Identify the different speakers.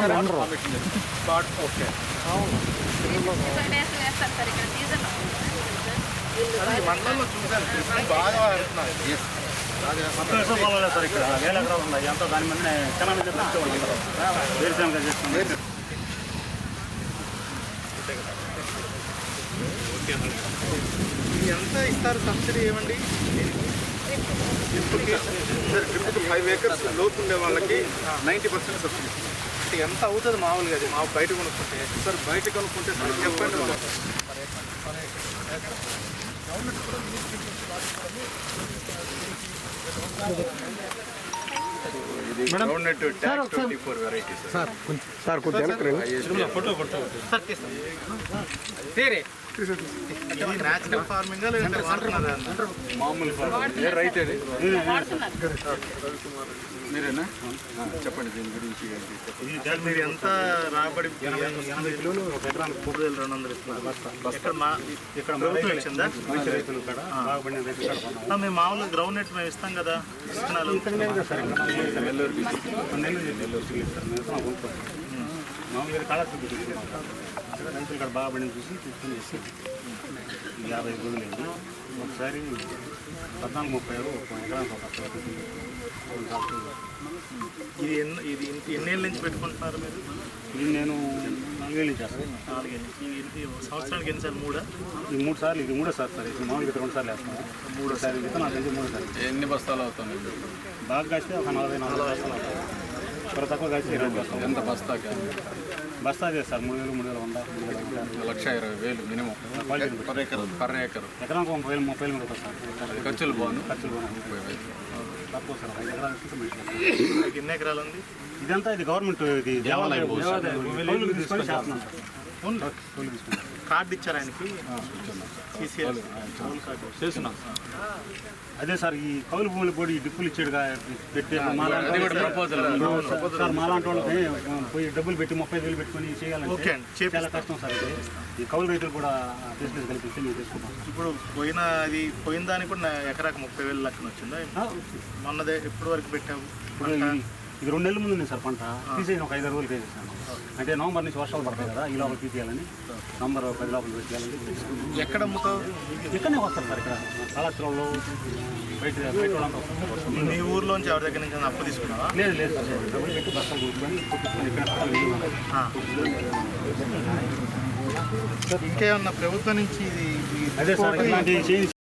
Speaker 1: Okay మండలంలో చూసాను బాగా
Speaker 2: పొలాలే సార్ ఇక్కడ వేల ఎకరాలు ఉన్నాయి అంతా దాని మీద తెలంగాణ వేరుశనగ చేస్తుంది.
Speaker 1: ఎంత ఇస్తారు సబ్సిడీ ఏమండి? ట్రిప్కి 5 acres లోపు ఉండే వాళ్ళకి 90% సబ్సిడీ. అంటే ఎంత అవుతుంది మామూలుగా? అది మా బయట కొనుక్కుంటే సార్, బయట కొనుక్కుంటే సార్ చెప్పండి.
Speaker 3: సార్
Speaker 1: న్యాచురల్ ఫార్మింగ్
Speaker 2: మామూలు రైతే మీరేనా? చెప్పండి దీని గురించి.
Speaker 1: మీరు ఎంత రాబడి?
Speaker 2: 80 కిలోలు ఒక ఎకరానికి 3200 ఇస్తున్నారు. ఇక్కడ ప్రభుత్వం ఇచ్చిందా? రైతులు కూడా బాగుపడిన రైతులు
Speaker 1: మేము మామూలుగా గ్రౌండ్ నెట్ మేము ఇస్తాం కదా, ఇస్తున్నాను.
Speaker 2: నెల్లూరుకి మామూలుగా కాళాస్త్రి తీసుకున్నాం. రైతులు ఇక్కడ బాగుపడిన చూసి తీసుకుని వేసి 50 రోజులు ఒకసారి 14-30 ఒక ఎకరానికి ఒక
Speaker 1: ఇది ఎన్నేళ్ళ నుంచి పెట్టుకుంటున్నారు మీరు?
Speaker 2: ఇది నేను 4 ఏళ్ళు చేస్తాను.
Speaker 1: 4 ఏళ్ళు. ఇది సంవత్సరానికి ఎన్నిసార్లు? 3
Speaker 2: ఇది 3 సార్లు. ఇది 3వ సార్. ఇది మామూలుగా 2 సార్లు వేస్తాను. 3వ సారి విత్తనాలు తెలిసి 3వ సారి.
Speaker 4: ఎన్ని బస్తాలు అవుతాయి?
Speaker 2: బాగా కాస్తే ఒక 40 బస్తాలు అవుతాయి. త్వర తక్కువ కాస్తే 20 బస్తాలు.
Speaker 4: ఎంత బస్తాకి?
Speaker 2: బస్తా చేస్తారు 3000, 3100,
Speaker 4: 1,20,000 మినిమం పర్ ఎకర్.
Speaker 2: ఎకరానికి 30,000 మీద వస్తారు.
Speaker 4: ఖర్చులు బాగుంది.
Speaker 2: ఖర్చులు బాగున్నాయి.
Speaker 4: 30,000
Speaker 2: తక్కువ సార్. 5 ఎకరాలు.
Speaker 1: ఎన్ని ఎకరాలు ఉంది
Speaker 2: ఇదంతా? ఇది గవర్నమెంట్ ఇది దేవాలయం తీసుకొని చేస్తున్నాం సార్.
Speaker 1: కార్డు ఇచ్చారు ఆయనకి?
Speaker 4: చేస్తున్నాం.
Speaker 2: అదే సార్, ఈ కౌలు భూములు కూడా ఈ డిప్పులు ఇచ్చాడుగా పెట్టి సార్ మాలాంటి వాళ్ళకి పోయి డబ్బులు పెట్టి 30,000 పెట్టుకొని చేయాలంటే చాలా కష్టం సార్. ఇది ఈ కౌలు రైతులు కూడా ఫెసిలిటీస్ కల్పిస్తే మేము తీసుకుంటాం.
Speaker 1: ఇప్పుడు పోయిన దానికి కూడా ఎకరాకు 30,000 లెక్కన వచ్చిందా? మొన్నదే ఎప్పటి వరకు పెట్టావు?
Speaker 2: ఇది 2 నెలల ముందు ఉంది సార్. పంట తీసేసి ఒక 5 రోజులు వేసేసాను. అంటే నవంబర్ నుంచి వర్షాలు పడతాయి కదా, ఈ లోపల తీసేయాలని, నవంబర్ 10 లోపల పెట్టేయాలని.
Speaker 1: ఎక్కడ అమ్ముతావు?
Speaker 2: ఇక్కడనే వస్తారు సార్. ఇక్కడ కళాశాలలో బయట వాళ్ళంతా వస్తారు.
Speaker 1: మీ ఊర్లోంచి ఎవరి దగ్గర నుంచి అప్పు తీసుకున్నావా?
Speaker 2: లేదు లేదు సార్. డబ్బులు పెట్టి బస్తాలు కొనుక్కొని
Speaker 1: ఇంకేమన్నా ప్రభుత్వం నుంచి
Speaker 2: అదే సార్ ఇలాంటి